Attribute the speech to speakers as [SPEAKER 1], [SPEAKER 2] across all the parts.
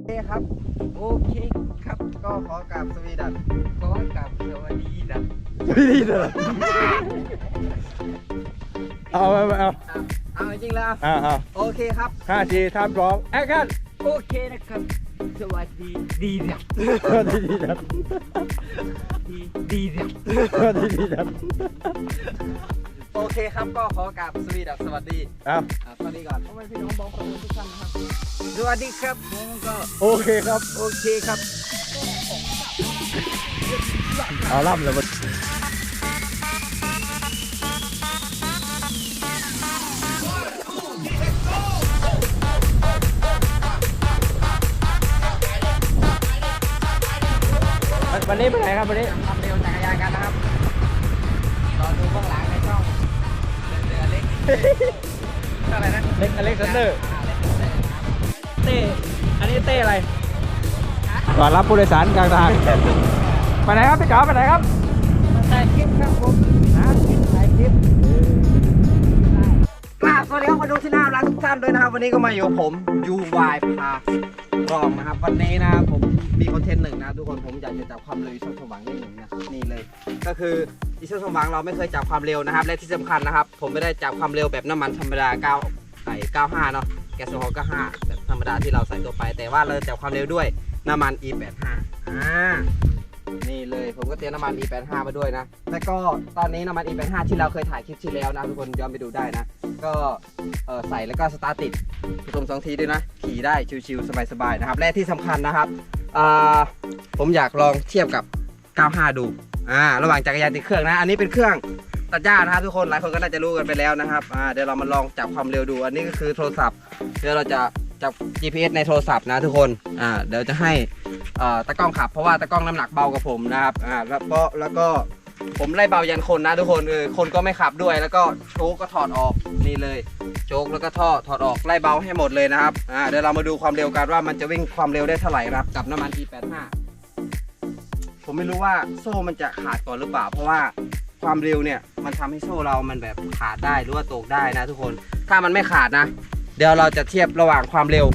[SPEAKER 1] เคครับโอเคครับก็ขอกราบสวีดัสขอกราบสวัสดีดัส
[SPEAKER 2] ไม่ดีเลยเอา
[SPEAKER 1] จริงแล้วโอเคครับ
[SPEAKER 2] 5 4 3 2แอคชั่น
[SPEAKER 1] โอเคนะครับสวัสดีดีดัส
[SPEAKER 2] ดีครับ
[SPEAKER 1] ดีดัส
[SPEAKER 2] ดีครับ
[SPEAKER 1] โอเคครับก็ขอกราบสวีดัสสวัสดี สวัสดีก่อนพ่อแม่พี่น้องบอกคนทุกท่านนะครับสวัสดีครับผมก็
[SPEAKER 2] โอเคครับ
[SPEAKER 1] โอเคครับ
[SPEAKER 2] เอาล่ำเลยมันวันนี้ไปไหนครับวันนี้
[SPEAKER 1] ทำเร็วจักรยานกันนะครับรอดูเบื้องหลังในช่องเรือเล็กอะไรนะ
[SPEAKER 2] เล็กอเล็กซานเดอร์เต้อันนี้เต้อะไรก่อนรับผู้โดยสารกลางทางไปไหนครับพี่จ๋าไปไหนครับ
[SPEAKER 1] ถ่ายคลิปครับผมถ่ายคลิปสวัสดีครับมาดูที่น่ารักทุกท่านด้วยนะครับวันนี้ก็มาอยู่ผม UY พารองนะครับวันนี้นะผมมีคอนเทนต์หนึ่งนะทุกคนผมอยากจะจับความเร็วอีโซสว่างได้หนึ่งนะนี่เลยก็คืออีโซสว่างเราไม่เคยจับความเร็วนะครับและที่สำคัญนะครับผมไม่ได้จับความเร็วแบบน้ำมันธรรมดา95เนาะแก๊สโซฮอล์95แบบธรรมดาที่เราใส่ตัวไปแต่ว่าเราจับความเร็วด้วยน้ำมัน E85นี่เลยผมก็เตรียมน้ำมัน E85 มาด้วยนะแล้วก็ตอนนี้น้ำมัน E85 ที่เราเคยถ่ายคลิปที่แล้วนะทุกคนย้อนไปดูได้นะก็ใส่แล้วก็สตาร์ทติดผสม2 ทีด้วยนะขี่ได้ชิวๆสบายๆนะครับและที่สำคัญนะครับผมอยากลองเทียบกับ95ดูระหว่างจักรยานติดเครื่องนะอันนี้เป็นเครื่องตัดหญ้านะครับทุกคนหลายคนก็น่าจะรู้กันไปแล้วนะครับเดี๋ยวเรามาลองจับความเร็วดูอันนี้ก็คือโทรศัพท์เดี๋ยวเราจะจับ GPS ในโทรศัพท์นะทุกคนเดี๋ยวจะให้ตะกล้องขับเพราะว่าตะกล้องน้ำหนักเบากว่าผมนะครับแล้วก็ผมไล่เบายันคนนะทุกคนคนก็ไม่ขับด้วยแล้วก็โชคก็ถอดออกนี่เลยโชคแล้วก็ท่อถอดออกไล่เบาให้หมดเลยนะครับเดี๋ยวเรามาดูความเร็วกันว่ามันจะวิ่งความเร็วได้เท่าไหร่ครับกับน้ำมัน E85 ผมไม่รู้ว่าโซ่มันจะขาดก่อนหรือเปล่าเพราะว่าความเร็วเนี่ยมันทำให้โซ่เรามันแบบขาดได้หรือว่าตกได้นะทุกคนถ้ามันไม่ขาดนะเดี๋ยวเราจะเทียบระหว่างความเร็ว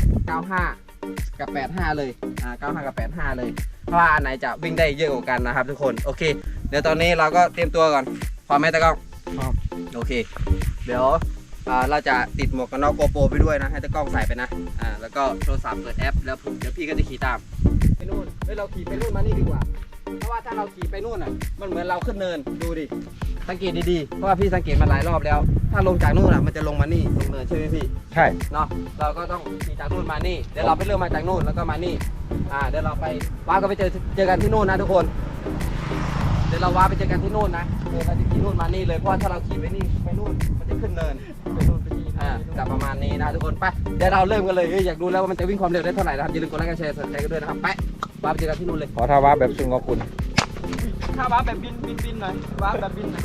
[SPEAKER 1] 95กับ85เลย95กับ85เลยเพราะว่าอันไหนจะวิ่งได้เยอะกว่ากันนะครับทุกคนโอเคเดี๋ยวตอนนี้เราก็เตรียมตัวก่อนพร้อมไหมตะกล้องพร้อมโอเคเดี๋ยวเราจะติดหมวกกันน็อกโกโปรไปด้วยนะให้ตะกล้องใส่ไปนะแล้วก็โทรศัพท์เปิดแอปแล้วเดี๋ยวพี่ก็จะขี่ตามไปนู่นเราขี่ไปนู่นมานี่ดีกว่าเพราะว่าถ้าเราขี่ไปนู่นมันเหมือนเราขึ้นเนินดูดิสังเกตดีๆเพราะว่าพี่สังเกตมาหลายรอบแล้วถ้าลงจากนู่นมันจะลงมานี่ลงเนินใช่ไหมพี่
[SPEAKER 2] ใช่
[SPEAKER 1] เนาะเราก็ต้องขี่จากนู่นมานี่เดี๋ยวเราไปเริ่มมาจากนู่นแล้วก็มานี่เดี๋ยวเราไปว้าก็ไปเจอกันที่นู่นนะทุกคนเดี๋ยวเราว้าไปเจอกันที่นู่นนะเราจะขี่นู่นมานี่เลยเพราะถ้าเราขี่ไปนี่ไปนู่นมันจะขึ้นเนินไปนู่นไปนี่จะประมาณนี้นะทุกคนไปเดี๋ยวเราเริ่มกันเลยอยากดูแล้วว่ามันจะวิ่งความเร็วได้เท่าไหร่นะครับอย่าลืมกดไลค์กดแชร์สนใจกันด้วยนะครับไปว้าไปเจอกันที่นู่นเลย
[SPEAKER 2] ขอท่าว้าแบบซุงกับคุณ
[SPEAKER 1] ถ้าว้าแบบบินหน่อยว้าแบบบินหน่อย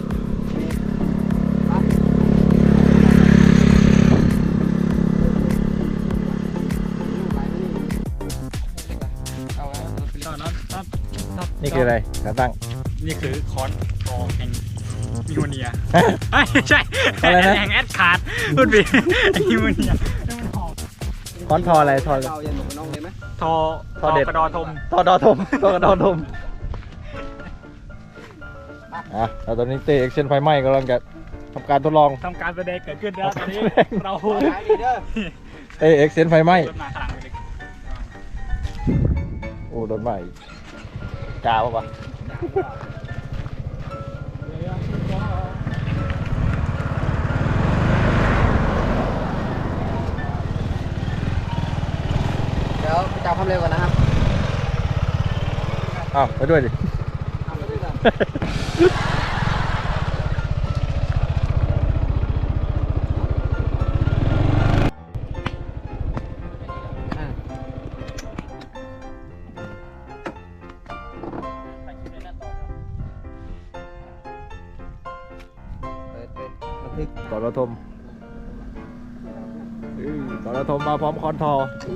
[SPEAKER 2] นี่คืออะไรขาตั้ง
[SPEAKER 3] นี่คือคอนทอแห่งมิโมเนียไม่ใช่แห่งแอดขาดพูดผิดมิโมเนีย
[SPEAKER 2] คอนทออะไรทอ
[SPEAKER 3] กระดอทม
[SPEAKER 2] ทอกระดอทมแล้วตอนนี้เตะเอ็กเซนไฟไหม้กำลังจะทำการทดลอง
[SPEAKER 3] ทำการแสดงเกิดขึ้นแล้วตอนนี้เรา
[SPEAKER 2] เตะเอ็กเซนไฟไหม้โอ้โดนไหม้กาวปะ
[SPEAKER 1] เดี๋ยวไปจับความเร็วก่อนนะครับ
[SPEAKER 2] ไปด้วยดิ
[SPEAKER 1] ไปด้วยกัน
[SPEAKER 2] ต่อระทมมาพร้อมคอนทอ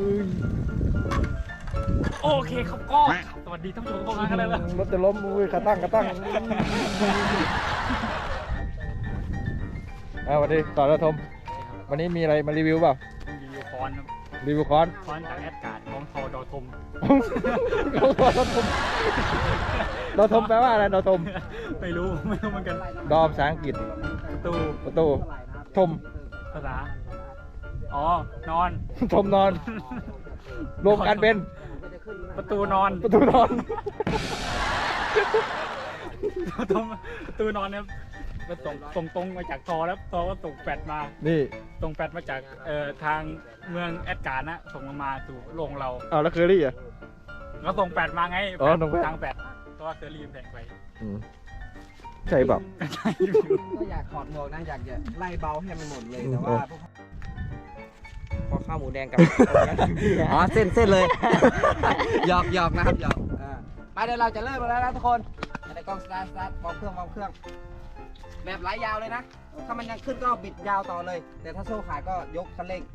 [SPEAKER 3] โอเคครับก็สวัสดีท่านผู้ชมกันเลยละ
[SPEAKER 2] รถจะล้มขาตั้งสวัสดีต่อระทมวันนี้มีอะไรมารีวิวเปล่า
[SPEAKER 3] รีวิวคอน
[SPEAKER 2] รีวิวคอน
[SPEAKER 3] จากแอดการ์ดของทอดอทม
[SPEAKER 2] ดอทมแปลว่าอะไรดอทม
[SPEAKER 3] ไม่รู้เหมือนกัน
[SPEAKER 2] ดอภาษาอังกฤษ
[SPEAKER 3] ประตู
[SPEAKER 2] ทม
[SPEAKER 3] ภาษาอ๋อนอน
[SPEAKER 2] ทมนอนรวมกันเป็น
[SPEAKER 3] ประตูนอน
[SPEAKER 2] ประตูนอน
[SPEAKER 3] ประตูนอนเนี่ยมันตรงมาจากทอแล้วทอก็ตกแฟดมา
[SPEAKER 2] นี่
[SPEAKER 3] ตรงแฟดมาจากทางเมืองแอดการ์นะส่งมาสู่โรงเรา
[SPEAKER 2] เอาแล้วเคอรี่อ่ะ
[SPEAKER 3] ก็ส่งแฟดมาไง
[SPEAKER 2] อ๋อส่งแฟด
[SPEAKER 3] ทางแฟดเพราะว่าเคอรี่แพงไป
[SPEAKER 2] ใช่เปล่า
[SPEAKER 3] ใช่อยู่
[SPEAKER 1] ก็อยากถอดหมวกนะอยากจะไล่เบาให้มันหมดเลยแต่ว่าพอข้าวหมูแดงกับ อ๋อเส้นเลย หยอกนะครับหยอกไปเดี๋ยวเราจะเริ่มแล้วนะทุกคนในกล้องสตาร์ทวอร์มเครื่องแบบไหลยาวเลยนะถ้ามันยังขึ้นก็บิดยาวต่อเลย แต่ถ้าโซ่ขาดก็ยกคันเร่ง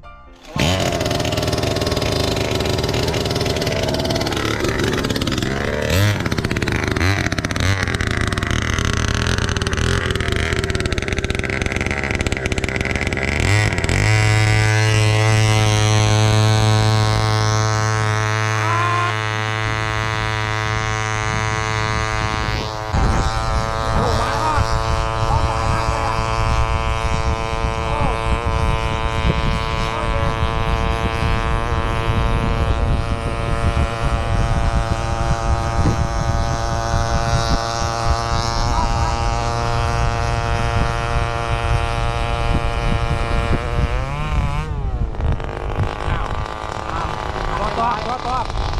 [SPEAKER 1] ตัว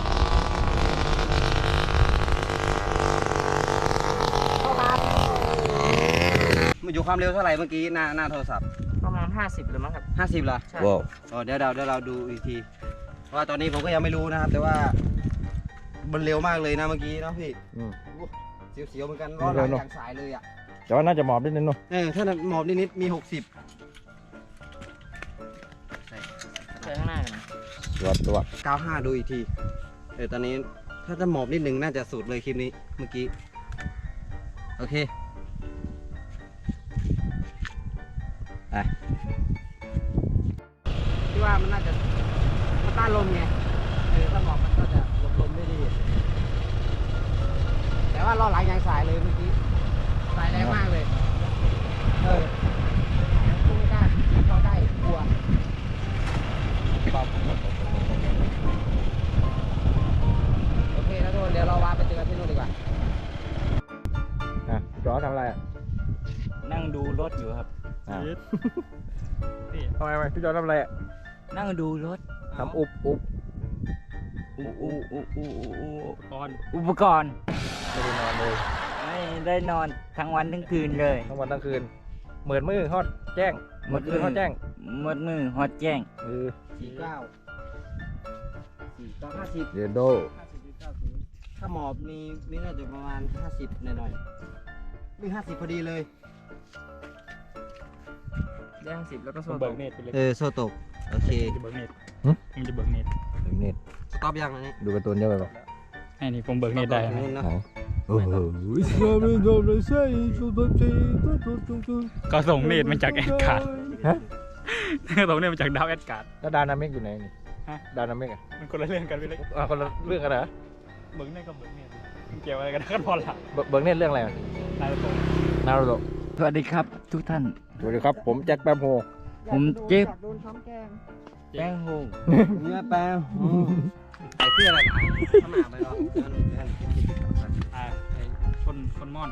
[SPEAKER 1] มันอยู่ความเร็วเท่าไหร่เมื่อกี้หน้าโทรศัพท์
[SPEAKER 4] ประมาณ50หรือมั้งครับ
[SPEAKER 1] 50เหรอ
[SPEAKER 4] ใช่
[SPEAKER 2] ว้าว
[SPEAKER 1] อ๋อเดี๋ยวเราดูอีกทีเพราะว่าตอนนี้ผมก็ยังไม่รู้นะครับ แต่ว่ามันเร็วมากเลยนะเมื่อกี้เนาะพี่เสียวๆเหมือนกันล้อหลังอย่างสายเลยอ่ะ
[SPEAKER 2] แต่ว่าน่าจะหมอบนิดนึงเนาะ
[SPEAKER 1] ถ้าหมอบนิดๆมี 60
[SPEAKER 4] เจอข้างหน้ากันนะ
[SPEAKER 2] ตัว
[SPEAKER 1] 95ดูอีกทีตอนนี้ถ้าจะหมอบนิดนึงน่าจะสุดเลยคลิปนี้เมื่อกี้โอเคไปที่ว่ามันน่าจะมันต้านลมไงถ้าหมอบมันก็จะหลบลมได้ดีแต่ว่าล้อหลังยางสายเลยเมื่อกี้สายแรงมากเลยพุ่งไม่ได้เข้าได้กลัวโอเคนะทุกคนเดี๋ยวเราวาไปเจอกันที่นู่นดีกว่า
[SPEAKER 2] จอทำอะไรอ่ะ
[SPEAKER 4] นั่งดูรถอยู่ครับ
[SPEAKER 3] นี่
[SPEAKER 2] ทำไมพี่จอทำอะไรอ่ะ
[SPEAKER 4] นั่งดูรถ
[SPEAKER 2] ทำอุบ
[SPEAKER 4] อุปกรณ์
[SPEAKER 2] ไม่ได้นอนเลย
[SPEAKER 4] ไม่ได้นอนทั้งวันทั้งคืนเลย
[SPEAKER 2] ทั้งวันทั้งคืนเหมือนมือฮอดแจ้งเหมือนมือฮอดแจ้ง
[SPEAKER 4] หมดมือฮอดแจ้ง
[SPEAKER 1] 49
[SPEAKER 2] เยนโด
[SPEAKER 1] ถ้าหมอบนี่น่าจะประมาณ50หน่อยๆมี50พอดีเลย
[SPEAKER 4] ได้50แล้วก็โซ่
[SPEAKER 3] เบิกเน็ตไปเลย
[SPEAKER 1] โซ่ตกโอเค
[SPEAKER 3] มึงจะเบิกเน็ตมึงจะเบิกเน็ต
[SPEAKER 2] ถึงเน็ต
[SPEAKER 1] สต็อปยังอันนี้
[SPEAKER 2] ดูการ์ตูนเยอะไปป่ะ
[SPEAKER 3] ไอ้นี่ผมเบิกเน็ตได้
[SPEAKER 1] สต็อปตรง
[SPEAKER 3] นะ
[SPEAKER 1] นู้นนะ
[SPEAKER 2] โอ้โห
[SPEAKER 3] ก็ส่งเน็ตมาจากแอดการ์ด
[SPEAKER 2] ฮะ
[SPEAKER 3] ส่งเน็ตมาจากดาวแอดการ์ด
[SPEAKER 2] แล้วดานามิกอยู่ไหนนี่
[SPEAKER 3] ฮะ
[SPEAKER 2] ดานามิกอ่ะ
[SPEAKER 3] มันคนละเรื่องกันไปเลย
[SPEAKER 2] คนละเรื่องกันเหรอ
[SPEAKER 3] เบิกเน็ตก็เบิกเน็ตมันเกี่ยวอะไรกันกันพอละ
[SPEAKER 2] เบิร์กเน็ตเรื่องอะไรอ่ะ
[SPEAKER 3] นายตรง
[SPEAKER 2] นารูโตะ
[SPEAKER 4] สวัสดีครับทุกท่าน
[SPEAKER 2] สวัสดีครับผมแจ็คแป๊บโฮ
[SPEAKER 4] ผมเจ็บแป้งโฮง
[SPEAKER 1] เนื้อแป้งใส่เสื้ออะไรนะขนาดไปหรอ
[SPEAKER 3] ไอ้คนม่อน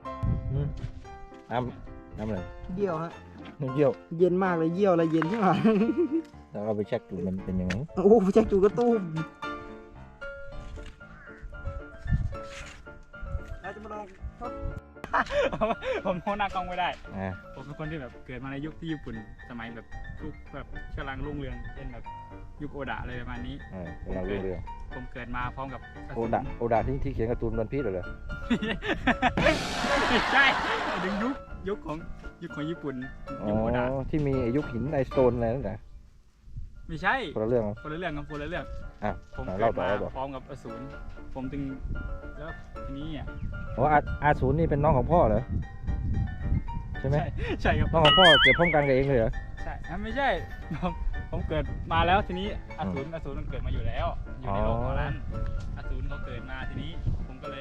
[SPEAKER 2] น้ำอะไร
[SPEAKER 1] เยี่ยวฮะ
[SPEAKER 2] น้ำเยี่ยว
[SPEAKER 1] เย็นมากเลยเยี่ยวอะไรเย็นใช่ไหม
[SPEAKER 2] แล้วเราไปเช็คดูมันเป็นยังไง
[SPEAKER 1] โอ้แจ็คจูกระตุ้มเราจะมาลอง
[SPEAKER 3] ผมโหน้ากล้องไม่ได้
[SPEAKER 2] อ่า
[SPEAKER 3] ผมเป็นคนที่แบบเกิดมาในยุคที่ญี่ปุ่นสมัยแบบยุคแบบกำลังรุ่งเรืองเช่นแบบยุคโอดะอะไรประมาณนี้
[SPEAKER 2] เราเรื่อง
[SPEAKER 3] ผมเกิดมาพร้อมกับ
[SPEAKER 2] โอดาที่เขียนการ์ตูนวันพีชเหรอ
[SPEAKER 3] ไม่ใช่ถึงยุคของญี่ปุ่น
[SPEAKER 2] อ๋
[SPEAKER 3] ยุคโอดะ
[SPEAKER 2] อที่มียุคหินไอสโตนอะไรนั่นแหละ
[SPEAKER 3] ไม่ใช่
[SPEAKER 2] คนละเรื่อง
[SPEAKER 3] คนละเรื่องครับคนละเรื่อง
[SPEAKER 2] อ่ะ
[SPEAKER 3] ผม
[SPEAKER 2] เล่า
[SPEAKER 3] เกิด
[SPEAKER 2] ต่อ
[SPEAKER 3] มา
[SPEAKER 2] เล่าต่อ
[SPEAKER 3] พร้อมกับอสูรผมจึงแล้วทีนี้อ่ะ
[SPEAKER 2] อ๋ออาศูนย์นี่เป็นน้องของพ่อเหรอใช่ไหม
[SPEAKER 3] ใช่ครับ
[SPEAKER 2] น้องของพ่อเกิดพร้อมกันกับเองเลยเหรอ
[SPEAKER 3] ใช่ไม่ใช่ผมเกิดมาแล้วทีนี้อสูรมันเกิดมาอยู่แล้วอยู่ในโลกของนั้นอสูรเขาเกิดมาทีนี้ผมก็เลย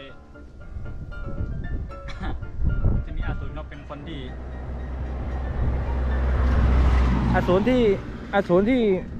[SPEAKER 3] ทีนี้อสูรเขาเป็นคนที่
[SPEAKER 2] อสูรที่ไออสูร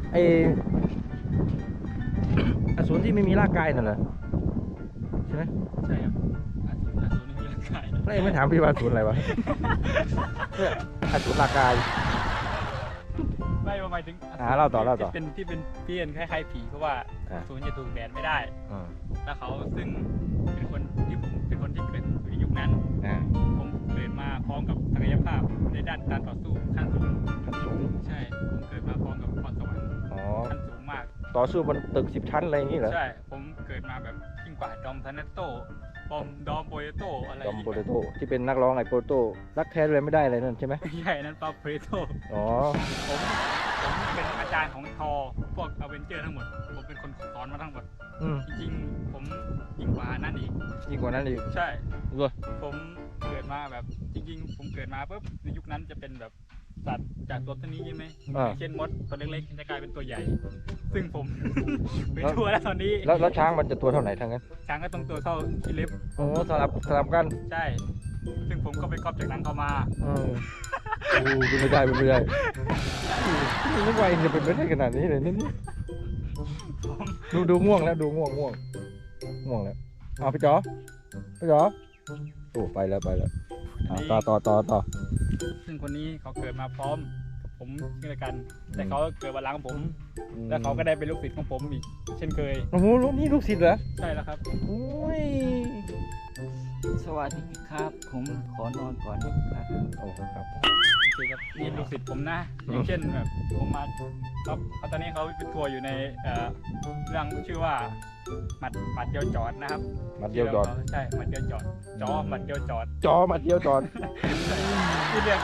[SPEAKER 2] ที่ไม่มีร่างกายนั่นเหรอใช่ไหม
[SPEAKER 3] ใช่ครับอสูรไม่มีร่างกาย
[SPEAKER 2] แล้วเองไม่ถามพี่ว่าอสูรอะไรวะเนี่ยอสูรร่างกาย
[SPEAKER 3] ไม่หมายถึง
[SPEAKER 2] เล่าต่อ
[SPEAKER 3] ที่เป็นคล้ายๆผีเพราะว่าอสูรจะถูกแดดไม่ได้ แล้วเขาซึ่งเป็นคนที่ผมเป็นคนที่เกิดอยู่ในยุคนั้นผมเกิดมาพร้อมกับศักยภาพในด้านการต่อสู้ขั้นสูงใช่ผมเกิดมาพร้อมกับพรสวรรค์ขั้นสูงมาก
[SPEAKER 2] ต่อสู้บนตึก10 ชั้นอะไรอย่างนี้เหรอ
[SPEAKER 3] ใช่ผมเกิดมาแบบยิ่งกว่าดอมทานัตโต้ดอมโปเตโต้อะไร
[SPEAKER 2] ดอมโปเตโต้ที่เป็นนักร้องไอโปโต้รักแท้เลยไม่ได้อะไรนั่นใช่ไหม
[SPEAKER 3] ใช่นั้นปาโปเตโต้
[SPEAKER 2] อ๋อ
[SPEAKER 3] ผมเป็นอาจารย์ของทอพวกอเวนเจอร์ทั้งหมดผมเป็นคนสอนมาทั้งหมดจริงๆผมยิ่งกว่านั้นอีก
[SPEAKER 2] ยิ่งกว่านั้นอีก
[SPEAKER 3] ใช่
[SPEAKER 2] เหรอ
[SPEAKER 3] ผมเกิดมาแบบจริงๆผมเกิดมาปุ๊บในยุคนั้นจะเป็นแบบสัตว์จากตัวนี้ใช่ไหมเช่นมดตัวเล็กๆจะกลายเป็นตัวใหญ่ ซึ่งผม ไปทั่วแล้วตอนนี้
[SPEAKER 2] แล้วช้างมันจะตัวเท่าไหนทั้งนั้น
[SPEAKER 3] ช้างก็ต้องตัวเท่าที่เล็บ
[SPEAKER 2] โอ้สลับกัน
[SPEAKER 3] ใช่ซึ่งผมก็ไปก๊อปจากนั้นเข้ามา
[SPEAKER 2] เป็นไม่ได้นึกว่าเองจะเป็นไม่ได้ขนาดนี้เลยนี่ดูง่วงแล้วง่วงแล้วเอาพี่จ๋อโอ้ไปแล้วต่อ
[SPEAKER 3] ซึ่งคนนี้เขาเกิดมาพร้อมกับผมเช่นกันแต่เขาเกิดวันหลังผมแล้วเขาก็ได้เป็นลูกศิษย์ของผมอีกเช่นเคย
[SPEAKER 2] โอ้โหนี่ลูกศิษย์เหรอ
[SPEAKER 3] ใช่แล้วครับ
[SPEAKER 2] โอ้ย
[SPEAKER 4] สวัสดีครับ ผมขอนอนก่อนนะครับ
[SPEAKER 2] โอ้ครับ
[SPEAKER 3] โอเคครับนี่ลูกศิษย์ผมนะอย่างเช่นแบบผมมาครับตอนนี้เขาเป็นทัวร์อยู่ในเรื่องชื่อว่าหมัดเดียวจอดนะครับ
[SPEAKER 2] มัดเดียวจอด
[SPEAKER 3] ใช่หมัดเดียวจอดหมัดเดียวจอด
[SPEAKER 2] จอมัดเดียวจอด
[SPEAKER 3] ที่เรียก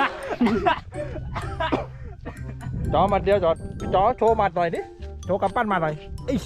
[SPEAKER 2] จอมัดเดียวจอดจอโชว์มัดหน่อยดิโชว์กำปั้นมาหน่อย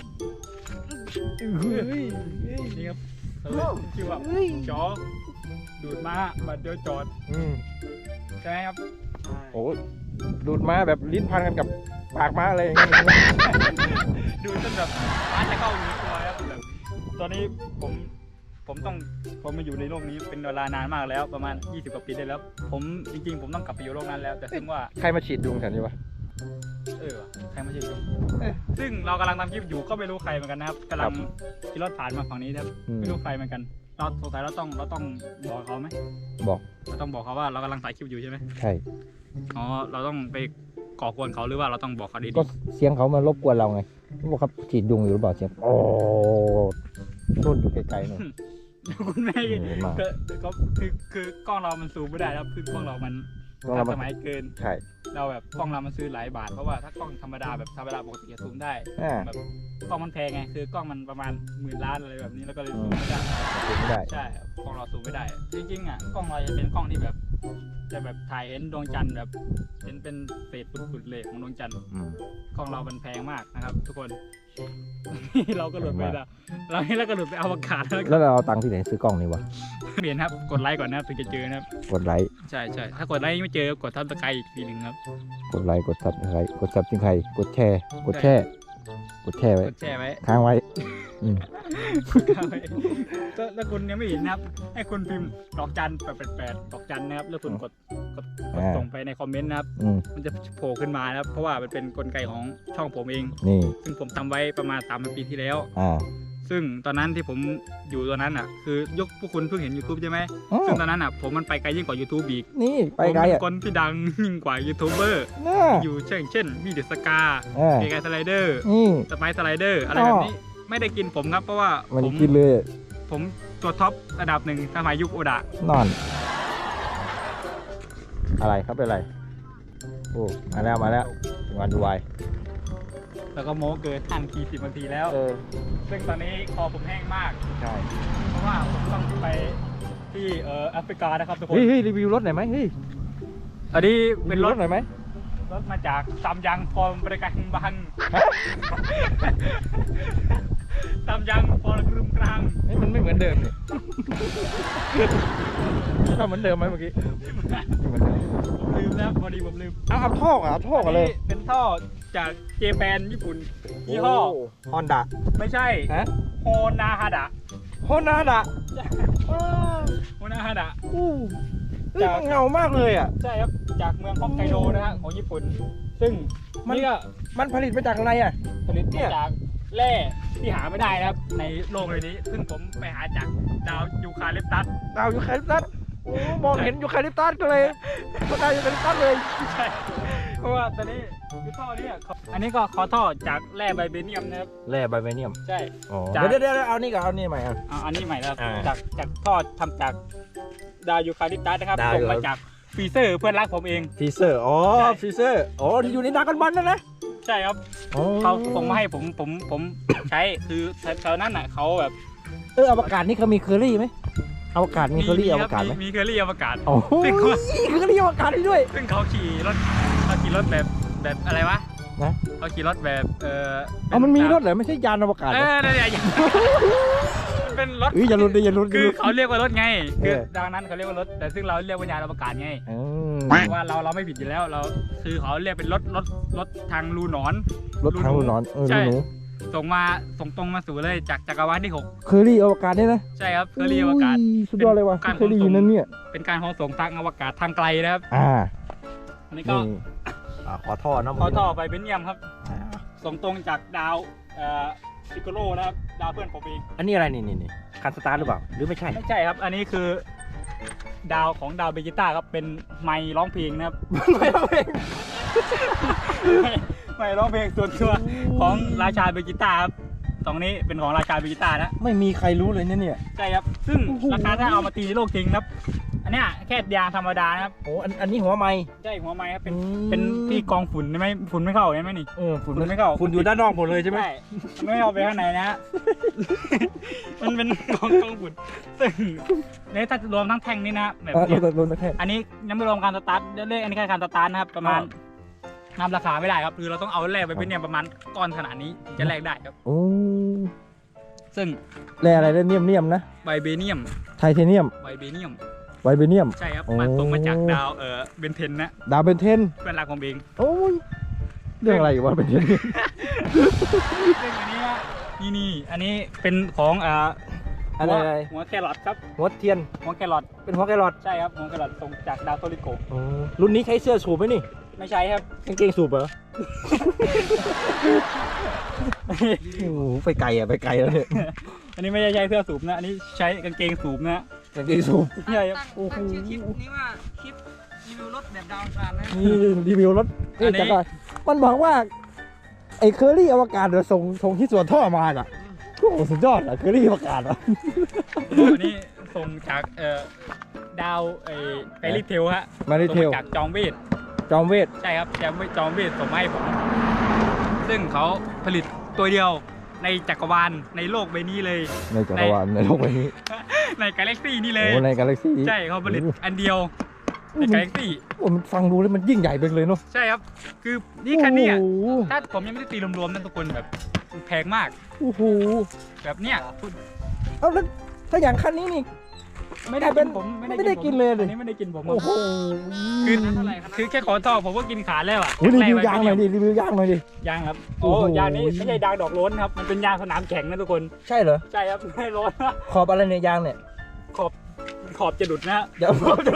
[SPEAKER 3] นี่ครับชื่อว่าจอดูดม้าหมัดเดียวจอดใช่ไหมครับ
[SPEAKER 2] โอ้ดูดมาแบบลิ้นพันกันกับปากม้าเลย
[SPEAKER 3] ดูจนแบบม้าจะเข้าอยู่ในตัวครับแบบตอนนี้ผมมาอยู่ในโลกนี้เป็นเวลานานมากแล้วประมาณ20 กว่าปีได้แล้วผมจริงๆผมต้องกลับไปอยู่โลกนั้นแล้วแต่ซึ่งว่า
[SPEAKER 2] ใครมาฉีดยุงแถวนี้วะ
[SPEAKER 3] ว่ะใครมาฉีดยุงซึ่งเรากำลังทำคลิปอยู่ก็ไม่รู้ใครเหมือนกันนะครับกำลังขี่รถผ่านมาฝั่งนี้นะครับไม่รู้ใครเหมือนกันเราสงสัยเราต้องบอกเขาไหม
[SPEAKER 2] บอก
[SPEAKER 3] เราต้องบอกเขาว่าเรากำลังถ่ายคลิปอยู่ใช่ไหม
[SPEAKER 2] ใช่
[SPEAKER 3] อ๋อเราต้องไปก่อกวนเขาหรือว่าเราต้องบอกเขาดี
[SPEAKER 2] ก็เสียงเขามารบกวนเราไงบอกครับฉีดยุงอยู่หรือเปล่าเสียงโอ้นุ่นอยู่ไกลๆนู่น
[SPEAKER 3] คุณแม่ก็คือกล้องเรามันซูมไม่ได้ครับคือกล้องเรามันทันสมัยเกิน
[SPEAKER 2] ใช่
[SPEAKER 3] เราแบบกล้องเรามันซื้อหลายบาทเพราะว่าถ้ากล้องธรรมดาปกติจะซูมได้แบบกล้องมันแพงไงคือกล้องมันประมาณ10,000 ล้านอะไรแบบนี้แล้วก็เลยซูมไม่ได้
[SPEAKER 2] ไม่ได้
[SPEAKER 3] ใช่กล้องเราซูมไม่ได้จริงๆอ่ะกล้องเราจะเป็นกล้องที่แบบจะแบบถ่ายเห็นดวงจันทร์แบบเป็นเศษฝุ่นๆเลยของดวงจันทร์กล้องเรามันแพงมากนะครับทุกคน เราก็หลุดไปแล้วเราก็หลุดไปอวกาศ
[SPEAKER 2] แล้วเราเอาตังค์ที่ไหนซื้อกล้องนี่วะ
[SPEAKER 3] เปลี่ยนครับกดไลค์ก่อนนะครับถึงจะเจอนะครับ
[SPEAKER 2] กดไลค์
[SPEAKER 3] ใช่ถ้ากดไลค์ไม่เจอกดทับสไครต์อีกทีหนึ่งครับ
[SPEAKER 2] กดไลค์กดซับไครกดซับซิงใครกดแชร์ไว้
[SPEAKER 3] กดแชร์ไว้
[SPEAKER 2] ค้างไว้
[SPEAKER 3] แล้วคุณยังไม่เห็นนะครับให้คุณพิมพ์ดอกจัน888ดอกจันนะครับแล้วคุณกดส่งไปในคอมเมนต์นะครับมันจะโผล่ขึ้นมานะครับเพราะว่ามันเป็นกลไกของช่องผมเอง
[SPEAKER 2] นี่
[SPEAKER 3] ซึ่งผมทำไว้ประมาณ3 ปีที่แล้ว
[SPEAKER 2] ซึ่ง
[SPEAKER 3] ซึ่งตอนนั้นที่ผมอยู่ตอนนั้นอ่ะคือยกพวกคุณเพิ่งเห็น YouTube ใช่ไหมซึ่งตอนนั้นอ่ะผมมันไปไกลยิ่งกว่า YouTube อีก
[SPEAKER 2] นี่ไปไกล
[SPEAKER 3] ผมเป็
[SPEAKER 2] อ่ะ
[SPEAKER 3] นคนที่ดังยิ่งกว่ายูทูบเบอร์อยู่เช่นมีเดอะสกาเกย์สไลเดอร์สไปซ์สไลเดอร์อะไรแบบนี้ไม่ได้กินผมครับเพราะว่าผมกินเลยผมตัวท็อประดับ1สมัยยุคโอดะ
[SPEAKER 2] นอนอะไรครับเป็นไรโอ้มาแล้วถึงวันดูไว
[SPEAKER 3] แล้วก็โม้เกินทันที10 นาทีแล้วซึ่งตอนนี้คอผมแห้งมาก
[SPEAKER 2] ใช่
[SPEAKER 3] เพราะว่าผมต้องไปที่แอฟริกานะครับทุกคน
[SPEAKER 2] เฮ้ยรีวิวรถหน่อยไหมเฮ้ย
[SPEAKER 3] อันนี้เป็นรถ
[SPEAKER 2] หน่อยไหม
[SPEAKER 3] รถมาจากซัมยังฟอร์มบริการบังซัมยังฟอร์มกรุงกลาง
[SPEAKER 2] มันไม่เหมือนเดิมเลยถ้าเหมือนเดิมไหมเมื่อกี้
[SPEAKER 3] ลืมแล้วพอดีผมลืม
[SPEAKER 2] เอาท่อเลย
[SPEAKER 3] เป็นท่อจากเจแปนญี่ปุ่นยี่ห้อ
[SPEAKER 2] ฮอนด้า
[SPEAKER 3] ไม่ใช่
[SPEAKER 2] ฮะ
[SPEAKER 3] โฮนาฮาดะ
[SPEAKER 2] ฮอนด้า
[SPEAKER 3] โฮนาฮาดะ
[SPEAKER 2] มันเงามากเลยอ่ะ
[SPEAKER 3] ใช่ครับจากเมืองฮอกไกโดนะฮะของญี่ปุ่น ซึ่ง
[SPEAKER 2] มัน
[SPEAKER 3] นี่ก็
[SPEAKER 2] มันผลิตมาจากอะไรอ่ะ
[SPEAKER 3] ผลิต
[SPEAKER 2] เนี่
[SPEAKER 3] มาย จากแร่ที่หาไม่ได้นะครับในโลกเลยนี้ ซึ่งผมไปหาจากดาวยูคาลิปตัส
[SPEAKER 2] ดาวยูคาลิปตัสโอ้มองเห็นยูคาลิปตัสก็เลยก็ได้ยูคาลิปตัสเลย
[SPEAKER 3] ใช่เพราะว่าตอนนี้คือท่อเนี่ยอันนี้ก็คอท่อจากแร่ไบเบเนียมนะครับ
[SPEAKER 2] แร่ไบเบเนียม
[SPEAKER 3] ใช่
[SPEAKER 2] อ๋อ
[SPEAKER 3] จาก
[SPEAKER 2] เดี๋ยวเอานี่ก่อนเอานี่ใหม่อ่ะ
[SPEAKER 3] อันนี้ใหม่แล้ว
[SPEAKER 2] อ่า
[SPEAKER 3] จากท่อทำจากดาวยูคาลิปตัสนะครับ
[SPEAKER 2] ดาว
[SPEAKER 3] ส่งมาจากฟรีเซอร์เพื่อนรักผมเอง
[SPEAKER 2] ฟีเซอร์อ๋อ
[SPEAKER 3] ใช่
[SPEAKER 2] ฟีเซอร์อ๋อที่อยู่ในดรากันบอลนั่นนะ
[SPEAKER 3] ใช่ครับ
[SPEAKER 2] อ๋อ
[SPEAKER 3] เขาส่งมาให้ผมใช้คือแถวนั้นน่ะเขาแบบ
[SPEAKER 2] อวกาศนี่เขามีเคอรี่ไหมอวกาศมีเคอรี่อวกาศไหม
[SPEAKER 3] มีเคอรี่อวกาศ
[SPEAKER 2] โอ้โห
[SPEAKER 3] ซึ่ง
[SPEAKER 2] เคอรี่อวกาศนี่ด้วย
[SPEAKER 3] ซึ่งเขาขี่รถแบบอะไรวะ
[SPEAKER 2] นะ
[SPEAKER 3] เขาขี่รถแบบ
[SPEAKER 2] อ๋อมันมีรถเหรอไม่ใช่ยานอวกาศเหรอ
[SPEAKER 3] นั่นแหละมันเป็นรถ
[SPEAKER 2] อย่าลุ้นดิอย่าลุ้น
[SPEAKER 3] คือเขาเรียกว่ารถไงคือ
[SPEAKER 2] เออ
[SPEAKER 3] ดังนั้นเขาเรียกว่ารถแต่ซึ่งเราเรียกว่ายานอวกาศไง
[SPEAKER 2] อืม
[SPEAKER 3] เพราะว่าเราไม่ผิดอยู่แล้วเราคือเขาเรียกเป็นรถทางรูหนอน
[SPEAKER 2] รถทางรูหนอนรู
[SPEAKER 3] ใช่
[SPEAKER 2] หนู
[SPEAKER 3] ส่งตรงมาสู่เลยจากจักรวาลที่
[SPEAKER 2] เคอรี่อวกาศเนี่ยนะ
[SPEAKER 3] 6ใช่ครับเคอรี่อวกาศ
[SPEAKER 2] ยสุดยอดเลยว่ะ
[SPEAKER 3] การ
[SPEAKER 2] เคยได้ยินนั่นเนี่ย
[SPEAKER 3] เป็นการขนส่งทางอวกาศทางไกลนะครับ อันนี้ก็
[SPEAKER 2] นี่ขอท่อนะ
[SPEAKER 3] ขอท่อไปเป็นเยี่ยมครับ ส่งตรงจากดาวพิโกโลนะครับดาวเพื่อนผมเอง
[SPEAKER 2] อันนี้อะไรนี่คันสตาร์ทหรือเปล่าหรือไม่ใช่
[SPEAKER 3] ไม่ใช่ครับ อันนี้คือดาวของดาวเบจิต้าครับเป็นไมค์ร้องเพลงนะครับ
[SPEAKER 2] ไม่เอาเอง
[SPEAKER 3] ไมค์ร้องเพลงส่วนตัวของราชาเบจิต้าครับตรงนี้เป็นของราชาเบจิต้านะ
[SPEAKER 2] ไม่มีใครรู้เลยเนี่ย
[SPEAKER 3] ใช่ครับ ซึ่ง
[SPEAKER 2] โอ้โห
[SPEAKER 3] ราคาถ้าเอามาตีในโลกจริงนะครับ อันเนี้ยแค่ยางธรรมดานะครับ
[SPEAKER 2] โอ้อันนี้หัวไม้
[SPEAKER 3] ใช่หัวไม้ครับเป็นที่กองฝุ่นใช่ไหมฝุ่นไม่เข้าใช่ไหมนี่
[SPEAKER 2] ฝุ่น
[SPEAKER 3] ฝุ่นไม่เข้า
[SPEAKER 2] ฝุ่นอยู่ด้านนอกหมดเลยใช่ไหม
[SPEAKER 3] ใช่มันไม่เข้าไปข้างในนะฮะ มันเป็นกองฝุ่นซึ่งเนี่ยถ้ารวมทั้งแท่งนี้นะแบบเนี้ย
[SPEAKER 2] รถแค่
[SPEAKER 3] อันนี้ยังไม่รวมการสตาร์ทเลขอันนี้แค่การสตาร์ทนะครับประมาณนำราคาไม่ได้ครับคือเราต้องเอาแลกไปเป็นเนี่ยประมาณก้อนขนาดนี้ถึงจะแลกได้ครับ
[SPEAKER 2] โอ้
[SPEAKER 3] ซึ่ง
[SPEAKER 2] แร่อะไรเนียมนะ
[SPEAKER 3] ไบเบเนียม
[SPEAKER 2] ไทเทเนียม
[SPEAKER 3] ไบเบเนียม
[SPEAKER 2] ไวเบเนียม
[SPEAKER 3] ใช่ครับ
[SPEAKER 2] โอ้
[SPEAKER 3] มาตรงมาจากดาวเบนเทนนะ
[SPEAKER 2] ดาวเบนเทน
[SPEAKER 3] เพื่อนรักผมเอง
[SPEAKER 2] โอ้ยเรื่องอะไรวะเบนเทน
[SPEAKER 3] ซึ่งอันนี้นี่อันนี้เป็นของ
[SPEAKER 2] อะไร
[SPEAKER 3] หัวแครอทครับ
[SPEAKER 2] หัวเทียน
[SPEAKER 3] หัวแครอท
[SPEAKER 2] เป็นหัวแครอท
[SPEAKER 3] ใช่ครับหัวแครอทส่งจากดาวโทริโก
[SPEAKER 2] รุ่นนี้ใช้เสื้อสูบไหมนี่
[SPEAKER 3] ไม่ใช่ครับ
[SPEAKER 2] กางเกงสูบเหรอ โอ้โหไปไกลอ่ะไปไกลแล้วเนี่ย
[SPEAKER 3] อันนี้ไม่ใช่ใช้เสื้อสูบนะอันนี้ใช้กางเกงสูบนะ
[SPEAKER 2] กางเกงสูบ
[SPEAKER 3] ใช่ครับ
[SPEAKER 2] โอ้โห
[SPEAKER 1] ตั้งชื่อคลิปนี้ว่าคลิปรีวิวรถแบบดาวอังคารนะ
[SPEAKER 2] นี่รีวิวรถ
[SPEAKER 3] อันนี้
[SPEAKER 2] จักรมันบอกว่าไอ้เคอรี่อวกาศเดี๋ยวส่งที่ส่วนท่อมาอ่ะโอ้โหสุดยอดอ่ะเคอรี่อวกาศอ่ะ
[SPEAKER 3] อันนี้ส่งจากดาวไกลิเทลฮะ
[SPEAKER 2] มาริเทล
[SPEAKER 3] ส่งจากจอมเวท
[SPEAKER 2] จอมเวท
[SPEAKER 3] ใช่ครับจอมเวทส่งมาให้ผม ซึ่งเขาผลิตตัวเดียวในจักรวาลในโลกใบนี้เลย
[SPEAKER 2] ในจักรวาลในโลกใบนี้
[SPEAKER 3] ในกาแล็กซี่นี่เลย
[SPEAKER 2] โอ้ในกาแล็กซี่
[SPEAKER 3] ใช่เขาผลิตอันเดียวในกาแล็กซี่
[SPEAKER 2] โอ้มันฟังดูแล้วมันยิ่งใหญ่ไปเลยเนาะ
[SPEAKER 3] ใช่ครับ คือนี่คันเนี้ย
[SPEAKER 2] โอ้โห
[SPEAKER 3] ถ้าผมยังไม่ได้ตีรวมๆนะทุกคนแบบแพงมาก
[SPEAKER 2] โอ้โห
[SPEAKER 3] แบบเนี้ย
[SPEAKER 2] เอาแล้วถ้าอย่างคันนี้นี่
[SPEAKER 3] ไม่ได้กินผม
[SPEAKER 2] ไม่ได้กินเลยดิ
[SPEAKER 3] อันนี้ไม่ได้กินผม
[SPEAKER 2] โอ้โห
[SPEAKER 3] คือแค่ขอท่อผมก็กินขาดแล้วอ่ะ
[SPEAKER 2] อุ๊ยรีวิวยางหน่อยดิรีวิวยางหน่อยดิ
[SPEAKER 3] ยางครับ
[SPEAKER 2] โอ้
[SPEAKER 3] โอ้
[SPEAKER 2] โห
[SPEAKER 3] ยางนี้ไม่ใช่ยางดอกโล้นครับมันเป็นยางสนามแข่งนะทุกคน
[SPEAKER 2] ใช่เหรอ
[SPEAKER 3] ใช่ครับไม่โล้น
[SPEAKER 2] ขอบอะไรเนี่ยยางเนี่ย
[SPEAKER 3] ขอบจะดุดนะฮะ
[SPEAKER 2] เดี๋ยวขอบจะ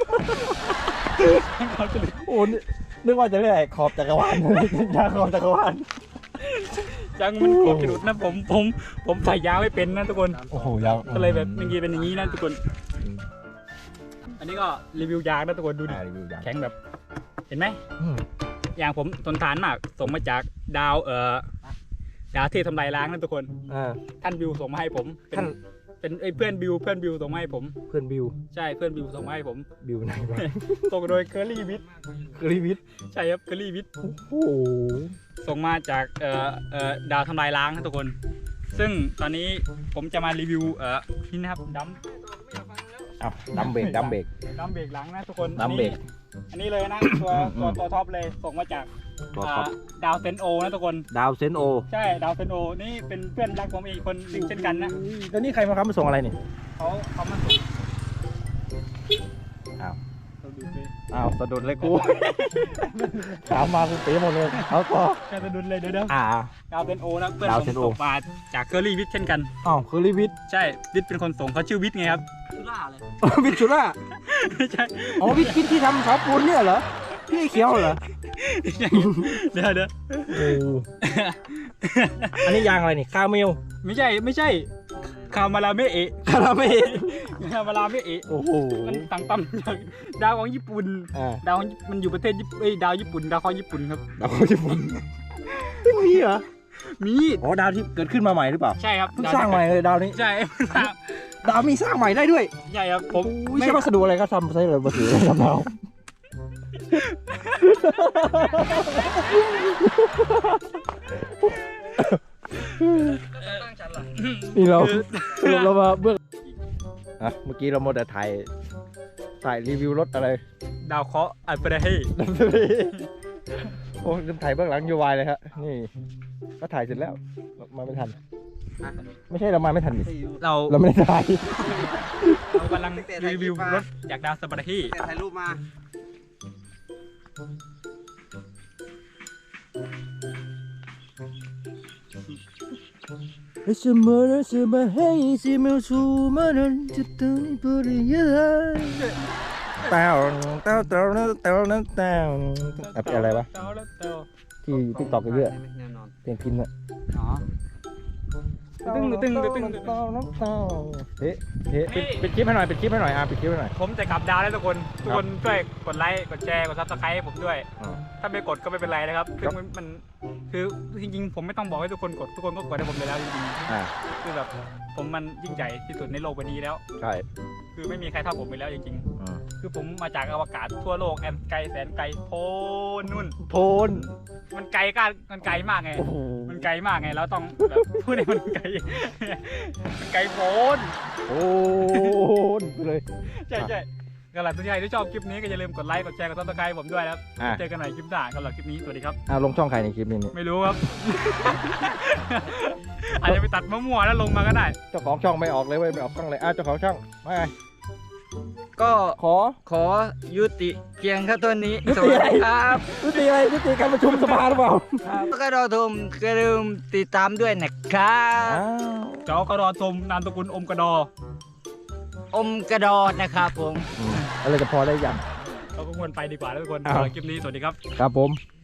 [SPEAKER 3] ขอบจะดุด
[SPEAKER 2] โอ้นึกว่าจะเรียกอะไรขอบจักรวาล ยางขอบจักรวาล
[SPEAKER 3] ยางมันขอบจะดุดนะผมใส่ยางไม่เป็นนะทุกคน
[SPEAKER 2] โอ้โหยาง
[SPEAKER 3] ก็เลยแบบอย่างงี้เป็นอย่างนี้นะทุกคน อันนี้ก็รีวิวยางนะทุกคนดูดิ
[SPEAKER 2] รีวิวยาง
[SPEAKER 3] แข็งแบบเห็นไหม
[SPEAKER 2] อืม
[SPEAKER 3] ยางผมทนทานมากส่งมาจากดาวดาวที่ทำลายล้างนะทุกคน ท่านบิวส่งมาให้ผมเป็นเพื่อนบิวส่งมาให้ผม
[SPEAKER 2] เพื่อนบิว
[SPEAKER 3] ใช่เพื่อนบิวส่งมาให้ผม
[SPEAKER 2] บิวไหนวะ
[SPEAKER 3] ส่งโดยเคอรี่วิท
[SPEAKER 2] กรีวิท
[SPEAKER 3] ใช่ครับเคอรี่วิท
[SPEAKER 2] โอ้โห
[SPEAKER 3] ส่งมาจากดาวทำลายล้างนะทุกคน ซึ่งตอนนี้ผมจะมารีวิวนี่นะครับดัม
[SPEAKER 2] เอาดัมเบรกดัมเบรก
[SPEAKER 3] เบรกหลังนะทุกคน
[SPEAKER 2] ดัมเบรก
[SPEAKER 3] อันนี้เลยนะตัวท็อปเลยส่งมาจาก
[SPEAKER 2] ตัวท็อป
[SPEAKER 3] ดาวเซนโอนะทุกคน
[SPEAKER 2] ดาวเซนโอ
[SPEAKER 3] ใช่ดาวเซนโอนี่เป็นเพื่อนรักผมอีกคนหนึ่งเช่นกันนะ
[SPEAKER 2] แล้วนี่ใครมาครับมาส่งอะไรนี่
[SPEAKER 3] เขามาส่ง
[SPEAKER 2] อ้าว
[SPEAKER 3] ส่งดุดเลย
[SPEAKER 2] อ้าวสะดุดเลยกู ถามมากูเป๋หมดเลยเอาต่อ
[SPEAKER 3] แค่สะดุดเลยเดี๋ยว
[SPEAKER 2] อ่า
[SPEAKER 3] ดาวเซนโอนะเพื่อน
[SPEAKER 2] ดาว
[SPEAKER 3] ผม
[SPEAKER 2] เซนโอ
[SPEAKER 3] ตกมาจากเคอรี่วิทย์เช่นกัน
[SPEAKER 2] อ้าวคือรีวิทย์
[SPEAKER 3] ใช่วิทย์เป็นคนส่งเขาชื่อวิทย์ไงครับ
[SPEAKER 1] ชุล่าเลย
[SPEAKER 2] วิทย์ชุล่า
[SPEAKER 3] ไม่ใช่
[SPEAKER 2] อ๋อวิทย์ที่ทำเสาปูนเนี่ยเหรอพี่เขียวเหรอ
[SPEAKER 3] ไม่ใช่เดี๋ยว
[SPEAKER 2] โอ้อันนี้ยางอะไรนี่คาเมล
[SPEAKER 3] ไม่ใช่คามาราเมเอะ
[SPEAKER 2] คาราเมล
[SPEAKER 3] คามาราเมเอะ
[SPEAKER 2] โอ้โห
[SPEAKER 3] มันต่างตั้มจากดาวของญี่ปุ่น
[SPEAKER 2] อ่า
[SPEAKER 3] ดาวมันอยู่ประเทศดาวญี่ปุ่นดาวของญี่ปุ่นครับ
[SPEAKER 2] ดาวญี่ปุ่นมีเหรอ
[SPEAKER 3] มี
[SPEAKER 2] อ๋อดาวที่เกิดขึ้นมาใหม่หรือเปล่า
[SPEAKER 3] ใช่ครับ
[SPEAKER 2] เพิ่งสร้างใหม่เลยดาวนี้
[SPEAKER 3] ใช่
[SPEAKER 2] ดาวมีสร้างใหม่ได้ด้วย
[SPEAKER 3] ใช่ครับผม
[SPEAKER 2] ไม่ใช่วัสดุอะไรก็ทำใช้เลยวัสดุอะไรทำดาวนี่เราสรุปเรามาเบื้องอ่ะเมื่อกี้เราโมเดลถ่ายรีวิวรถอะไร
[SPEAKER 3] ดาวเคราะห์อัลเฟรเฮ
[SPEAKER 2] โอ้ลืมถ่ายเบื้องหลังยูวายเลยครับนี่ก็ถ่ายเสร็จแล้วมาไม่ทัน ไม่ใช่เรามาไม่ทันดิ
[SPEAKER 3] เรา
[SPEAKER 2] เราไม่ได้ถ่าย
[SPEAKER 3] กำลังรีวิวรถจากดาวสปาร์ฮี
[SPEAKER 1] แต่ถ่ายรูปมา
[SPEAKER 2] 什么人什么黑什么出门人就等你不离开เต้าอะไรวะที่ติ๊กต็อกเยอะ
[SPEAKER 1] แน่นอน
[SPEAKER 2] เพลงพินอะ
[SPEAKER 3] อ๋อตึ้ง
[SPEAKER 2] เฮ้ปิดคลิปให้หน่อยปิดคลิปให้หน่อยปิดคลิปให้หน่อย
[SPEAKER 3] ผมจะกลับดาวแล้วทุกคนช่วยกดไลค์กดแชร์กดซับสไครต์ให้ผมด้วย ถ้าไม่กดก็ไม่เป็นไรนะครับคือมันคือจริงๆผมไม่ต้องบอกให้ทุกคนกดทุกคนก็กดให้ผมเลยแล้วจริงๆคือแบบผมมันยิ่งใหญ่ที่สุดในโลกใบนี้แล้ว
[SPEAKER 2] ใช่
[SPEAKER 3] คือไม่มีใครเท่าผมไปแล้วจริงๆคือผมมาจากอวกาศทั่วโลกแอนไกลแสนไกลโพ้นนู่น
[SPEAKER 2] โพน
[SPEAKER 3] มันไกลมากไง
[SPEAKER 2] โอ้โห
[SPEAKER 3] มันไกลมากไงแล้วต้องแบบพูดให้มันไกล มันไกลโพ้น
[SPEAKER 2] โอ้นเลย
[SPEAKER 3] ใช่ก็หลังทุกท่านที่ชอบคลิปนี้ก็อย่าลืมกดไลค์กดแชร์กดซับสไครต์ผมด้วยนะครับเจอกันใหม่คลิปหน้าสำหรับคลิปนี้สวัสดีครับ
[SPEAKER 2] ลงช่องใครในคลิปนี้
[SPEAKER 3] ไม่รู้ครับ อาจจะไปตัดมั่วๆแล้วลงมาก็ได้
[SPEAKER 2] เจ้าของช่องไม่ออกเลยเว้ยไม่ออกกล้องเลยเจ้าของช่องไม่ไง
[SPEAKER 4] ก็
[SPEAKER 2] ขอ
[SPEAKER 4] ยุติเพียงแค่ตัวนี้
[SPEAKER 2] ยุ
[SPEAKER 4] ส
[SPEAKER 2] ติ
[SPEAKER 4] วัส
[SPEAKER 2] อะไร
[SPEAKER 4] ดีครับ
[SPEAKER 2] ยุติอะไรยุติการประชุมสภาหรือเปล่า
[SPEAKER 4] ก็รอชมอย่าลืมติดตามด้วยนะครับ
[SPEAKER 3] เจ้ากระดอชมนามสกุลอมกระดอ
[SPEAKER 4] อมกระดอดนะครับผม
[SPEAKER 2] อะไรจะพอได้ยัง
[SPEAKER 3] เราก็ควรไปดีกว่าแล้วทุกคน
[SPEAKER 2] อ้าว
[SPEAKER 3] สำหรับคลิปนี้สวัสดีครับ
[SPEAKER 2] ครับผม